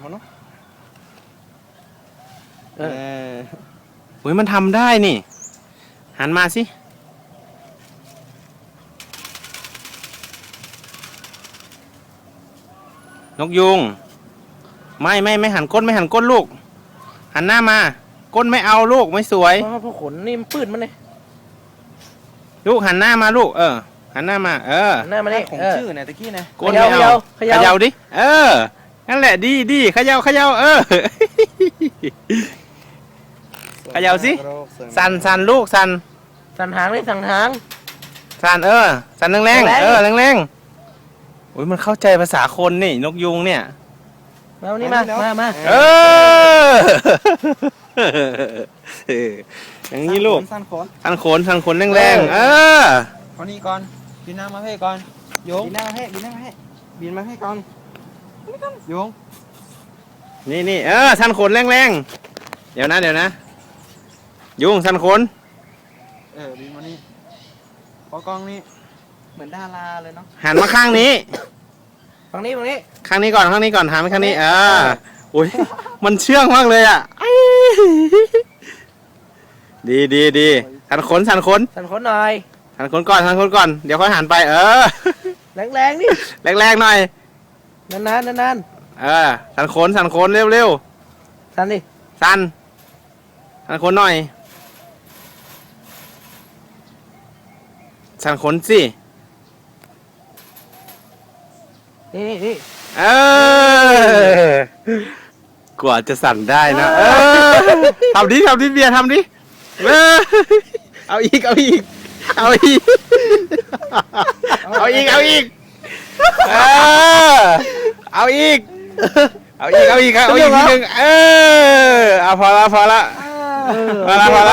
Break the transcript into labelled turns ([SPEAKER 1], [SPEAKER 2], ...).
[SPEAKER 1] เขาเนาะ
[SPEAKER 2] อุ้ยมันทำได้นี่หันมาสินกยุงไม่หันก้นไม่หันก้นลูกหันหน้ามาก้นไม่เอาลูกไม่สวย
[SPEAKER 1] เพราะขนนี่มันปืดมันเลย
[SPEAKER 2] ลูกหันหน้ามาลูกหันหน้ามา
[SPEAKER 1] หน้ามาเนี่ยของชื่อเนี่ยตะกี้นะ
[SPEAKER 2] ก้นไม่เอาเขย่าดินั่นแหละดีเขย่าเขย่าสิสั่นลูกสั่น
[SPEAKER 1] หางเลยสั่นหาง
[SPEAKER 2] สั่นสั่นแรงแรงโอ้ยมันเข้าใจภาษาคนนี่นกยุงเนี่ย
[SPEAKER 1] มาวันนี้มา
[SPEAKER 2] อย่างนี้ลูก
[SPEAKER 1] สั่น
[SPEAKER 2] ขนแรง
[SPEAKER 1] เอานี่ก่อนบินหน้ามาให้ก่อนโยงบินหน้ามาให้บินมาให้ก่อนโยง
[SPEAKER 2] นี่สั่นขนแรงเดี๋ยวนะยุงสั่นขน
[SPEAKER 1] บินมานี่พอกล้องนี่เหมือนดาราเลยเนาะ
[SPEAKER 2] หันมาข้างนี้
[SPEAKER 1] ฝั่งนี้
[SPEAKER 2] ข้างนี้ก่อนหันไปข้างนี้โอ้ยมันเชื่องมากเลยอ่ะดีสั่นขนหน่อยสั่นขนก่อนเดี๋ยวค่อยหันไป
[SPEAKER 1] แรงนี่
[SPEAKER 2] แรงหน่อย
[SPEAKER 1] นาน
[SPEAKER 2] สั่นขนเร็ว
[SPEAKER 1] สั่นดิ
[SPEAKER 2] สั่นขนหน่อยสั่นขนสิ
[SPEAKER 1] นี่
[SPEAKER 2] กว่าจะสั่นได้นะทำดิเบียร์ทำดิเอาอีกเอาอีกเอาอีกทีนึงพอละ